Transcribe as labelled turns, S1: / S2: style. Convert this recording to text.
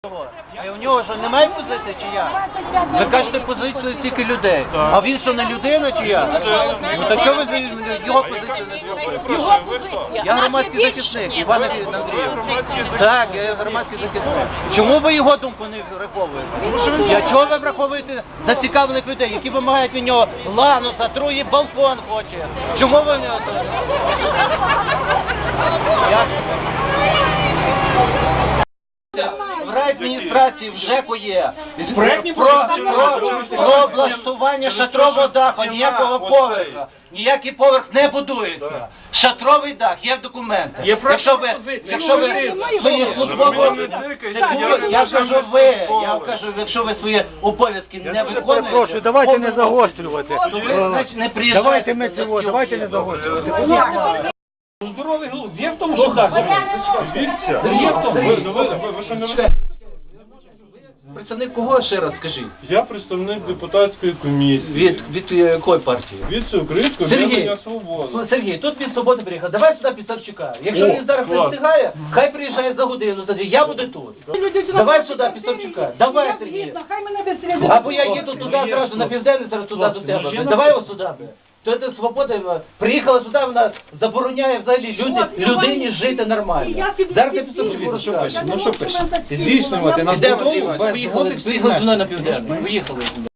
S1: А у нього що, немає позиції чи як? Ви кажете позицію стільки людей. А він що, не людина чи як? Ну так чого ви його позицію не слухаєте? Я громадський захисник, Іван Андрійович. Так, я громадський захисник. Чому ви його думку не враховуєте? Чого ви враховуєте зацікавлених людей, які вимагають від нього лануса, труї балкон хоче? Чому ви не... В райадміністрації в ЖЕКу є про облаштування шатрового даху, ніякого поверха. Ніякий поверх не будується. Шатровий дах є в документах. Якщо ви свої службові... Я кажу, якщо ви свої обов'язки не виконуєте...
S2: Прошу, давайте не загострювати.
S1: Давайте
S2: не загострювати.
S3: Здоровий глузд. Є в тому, що так? Є в тому.
S4: Ви що не розумієте?
S1: Представник кого ще раз скажіть?
S4: Я представник депутатської комісії.
S1: Від якої партії?
S4: Від Всеукраїнського об'єднання «Свобода».
S1: Сергій, тут від «Свободи» приїхав. Давай сюди Пісарчука. Якщо він зараз не встигає, хай приїжджає за годину, за дві. Я буду тут. Давай сюди Пісарчука. Давай, Сергій. Або я їду туди одразу на південний, зараз туди до тебе. Давай його сюди. То це «Свобода» приїхала сюди, вона забороняє взагалі людині жити нормально. Зараз я Пісарчуку розкажу.
S3: Ну що пише? Здійснювати на
S1: Виїхали зі мною на південний. Виїхали.